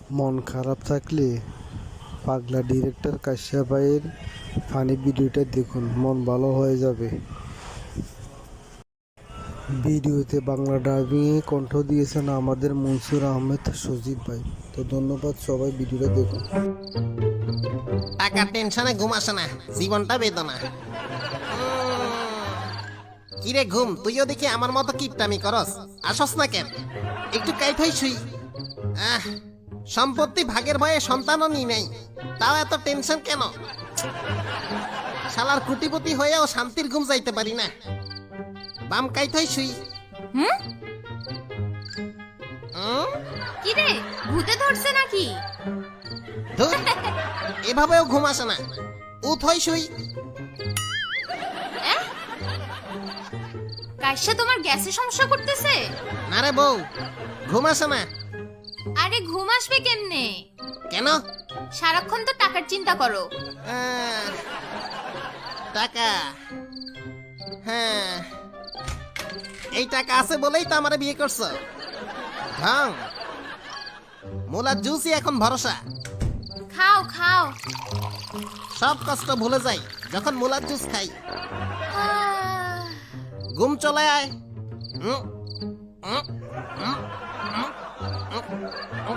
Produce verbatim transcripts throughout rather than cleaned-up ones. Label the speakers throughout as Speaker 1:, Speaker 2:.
Speaker 1: মন খারাপ থাকলে পাগলা ডিরেক্টর কাশ্যপ ভাইয়ের ফানি ভিডিওটা দেখুন, মন ভালো হয়ে যাবে। ভিডিওতে বাংলা ডাবিংয়ে কণ্ঠ দিয়েছেন আমাদের মনসুর আহমেদ সজিব ভাই। তো ধন্যবাদ সবাই, ভিডিওটা দেখুন।
Speaker 2: টাকার টেনশনে ঘুম আসে না, জীবনটা বেদনা। কিরে ঘুম, তুইও দেখি আমার মতো কিপটামি করস, আসস না কেন? একটু কাইট হই শুই। আহ, সম্পত্তি ভাগের ভয়ে সন্তানও নি নাই, তাও এত টেনশন কেন? শালার কোটিপতি হয়েও শান্তির ঘুম যাইতে পারি না। বাম কাইট হই শুই।
Speaker 3: হুম
Speaker 2: হুম?
Speaker 3: কি রে, ভূতে ধরছে নাকি?
Speaker 2: ধুর, এভাবেও ঘুম আসে না, উঠ হই শুই।
Speaker 3: এহ? কাইসা তোমার গ্যাসের সমস্যা করতেছে?
Speaker 2: না রে বউ, ঘুম আসে না।
Speaker 3: আরে ঘুম আসবে কেমনে?
Speaker 2: কেন?
Speaker 3: সারাক্ষণ তো টাকার চিন্তা করো।
Speaker 2: আহ, টাকা, হ্যাঁ, এই টাকা আছে বলেই তো আমারে বিয়ে করছো। ঢং, মুলার জুসই এখন ভরসা।
Speaker 3: খাও খাও।
Speaker 2: সব কষ্ট ভুলে যাই যখন মুলার জুস খাই।
Speaker 3: আহ,
Speaker 2: ঘুম চলে আয়। উম, উম, উম, উম, উম, উম।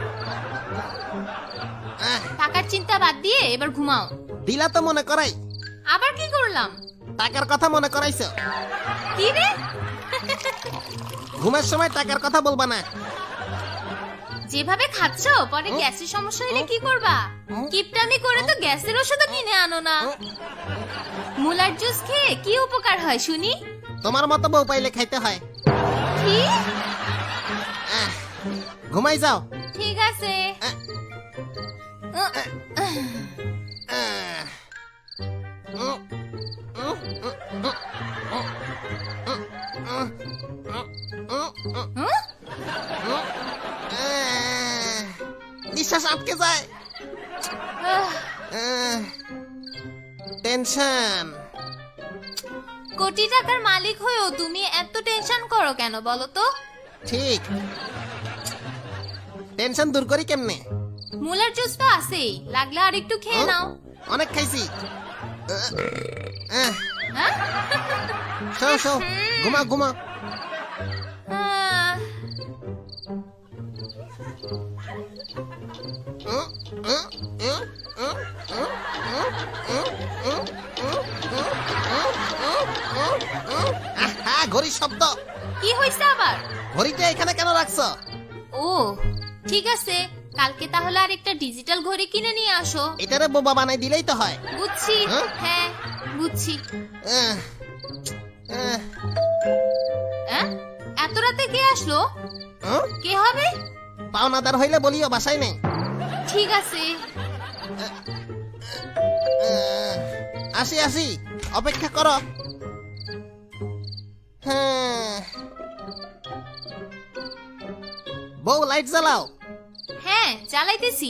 Speaker 2: আহ,
Speaker 3: টাকার চিন্তা বাদ দিয়ে এবার ঘুমাও।
Speaker 2: দিলা তো মনে করাই,
Speaker 3: আবার কি করলাম?
Speaker 2: টাকার কথা মনে করাইছো।
Speaker 3: কি রে?
Speaker 2: ঘুমের সময় টাকার কথা বলবা না।
Speaker 3: যেভাবে খাচ্ছ পরে গ্যাসের সমস্যা হলে কি করবা? কিপটামি করে তো গ্যাসের ওষুধও কিনে আনো না। মুলার জুস খেয়ে কি উপকার হয় শুনি?
Speaker 2: তোমার মতো বউ পাইলে খাইতে হয়।
Speaker 3: কি?
Speaker 2: আহ, ঘুমাই যাও।
Speaker 3: ঠিক আছে।
Speaker 2: আহ,
Speaker 3: উহ,
Speaker 2: আহ, উম, উম, উম, উম, উম, উম, উম, উম, উম,
Speaker 3: হুম?
Speaker 2: উম, আহ, নিঃশ্বাস আটকে যায়।
Speaker 3: আহ,
Speaker 2: আহ, টেনশন।
Speaker 3: কোটি টাকার মালিক হয়েও তুমি এত টেনশন করো কেন বলো তো?
Speaker 2: ঠিক, টেনশন দূর করি কেমনে?
Speaker 3: মুলার জুস তো আছেই, লাগলে আর একটু খেয়ে নাও।
Speaker 2: অনেক খাইছি। আহ, আহ,
Speaker 3: হ্যাঁ?
Speaker 2: শো শো, ঘুমা ঘুমা।
Speaker 3: আহ,
Speaker 2: উম, উম, উম, উম, উম, উম, উম, উম, উম, উম, উম, উম, উম, উম। আহা, ঘড়ির শব্দ।
Speaker 3: কি হয়েছে আবার?
Speaker 2: ঘড়িটা এখানে কেন রাখছো?
Speaker 3: ও ঠিক আছে, কালকে তাহলে আর একটা ডিজিটাল ঘড়ি কিনে নিয়ে আসো।
Speaker 2: এটারে বোবা বানাই দিলেই তো হয়।
Speaker 3: বুঝছি।
Speaker 2: হ্যাঁ?
Speaker 3: হ্যাঁ বুঝছি।
Speaker 2: আহ, আহ,
Speaker 3: আহ? এত রাতে কে আসলো?
Speaker 2: উম,
Speaker 3: কে হবে?
Speaker 2: পাওনাদার হইলে বলিও, বাসায় নেই।
Speaker 3: ঠিক আছে।
Speaker 2: আহ, আসি আসি, অপেক্ষা করো। হ্যাঁ, বউ লাইট জ্বালাও।
Speaker 3: হ্যাঁ চালাইতেছি।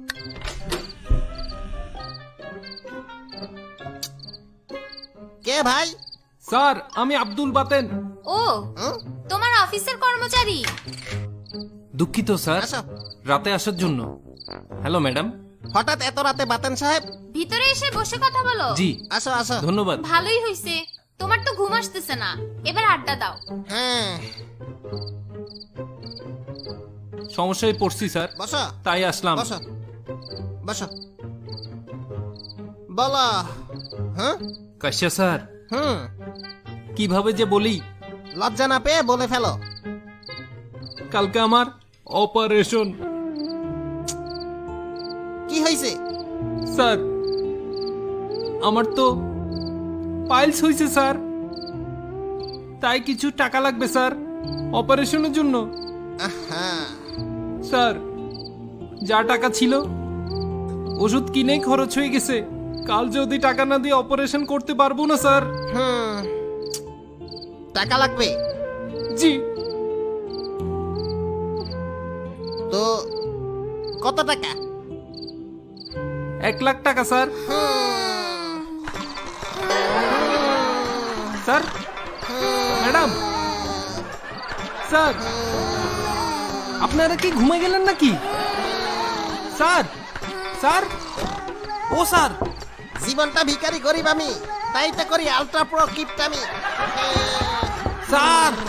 Speaker 2: কে ভাই?
Speaker 4: স্যার, আমি আব্দুল বাতেন।
Speaker 3: ও
Speaker 2: উম,
Speaker 3: তোমার অফিসের কর্মচারী।
Speaker 4: দুঃখিত স্যার,
Speaker 2: আসো।
Speaker 4: রাতে আসার জন্য। Hello madam.
Speaker 2: হঠাৎ এত রাতে বাতেন সাহেব?
Speaker 3: ভিতরে এসে বসে কথা বলো।
Speaker 4: জি,
Speaker 2: আসো আসো।
Speaker 4: ধন্যবাদ।
Speaker 3: ভালোই হইছে, তোমার তো ঘুম আসতেছে না, এবার আড্ডা দাও।
Speaker 2: হ্যাঁ,
Speaker 4: সমস্যায় পড়ছি স্যার,
Speaker 2: বসো
Speaker 4: তাই আসলাম।
Speaker 2: বসো বসো, বলো। হ্যাঁ,
Speaker 4: কাশ্যা স্যার,
Speaker 2: হুম,
Speaker 4: কিভাবে যে বলি।
Speaker 2: লজ্জা না পেয়ে বলে ফেলো।
Speaker 4: কালকে আমার অপারেশন।
Speaker 2: কি হয়েছে?
Speaker 4: স্যার, আমার তো পাইলস হয়েছে স্যার, তাই কিছু টাকা লাগবে স্যার অপারেশনের জন্য।
Speaker 2: আহা,
Speaker 4: স্যার, যা টাকা ছিল ওষুধ কিনেই খরচ হয়ে গেছে। কাল যদি টাকা না দিয়ে অপারেশন করতে পারবো না স্যার।
Speaker 2: হুম, টাকা লাগবে
Speaker 4: জি।
Speaker 2: তো কত টাকা?
Speaker 4: এক লাখ টাকা স্যার। স্যার, ম্যাডাম, স্যার, আপনারা কি ঘুমে গেলেন নাকি? স্যার স্যার ও স্যার
Speaker 2: জীবনটা ভিখারি গরিব আমি, তাই তো করি আলট্রা প্রো কিপটামি।
Speaker 4: স্যার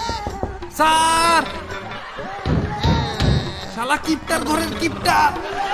Speaker 4: স্যার শালা কিপটার ঘরের কিপটা